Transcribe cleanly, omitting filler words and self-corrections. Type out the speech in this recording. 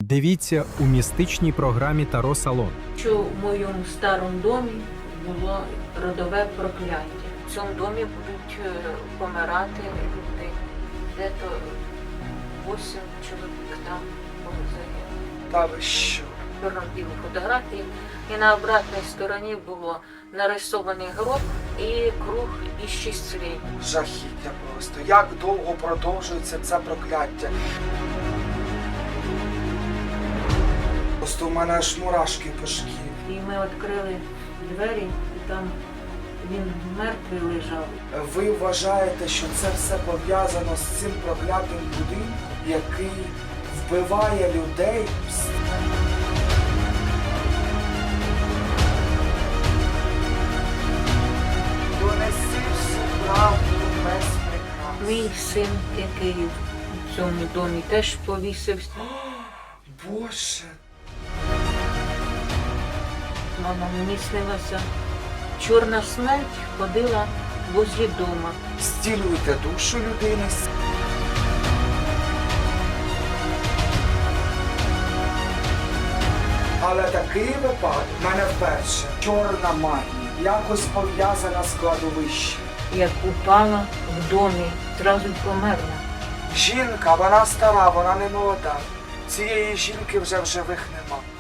Дивіться у містичній програмі Таро Салон. Що в моєму старому домі було родове прокляття. В цьому домі будуть помирати люди. Де-то 8 чоловік там загинуло. Та ви що? Чорно-білі фотографії. І на обратній стороні було нарисований гроб і круг із 6 слів. Жахіття просто. Як довго продовжується це прокляття? Просто у мене аж мурашки по шкірі. І ми відкрили двері, і там він мертвий лежав. Ви вважаєте, що це все пов'язано з цим проклятим будинком, який вбиває людей? Донеси всю правду без прикрас. Мій син, який в цьому домі теж повісився. Боже, Мама, мені снилася. Чорна смерть ходила возле дома. стілюйте душу людини. Але такий випадок в мене вперше. Чорна магія, якось пов'язана з кладовищем. Як упала в домі, зразу й померла. Жінка, вона стара, вона не молода. Цієї жінки вже в живих нема.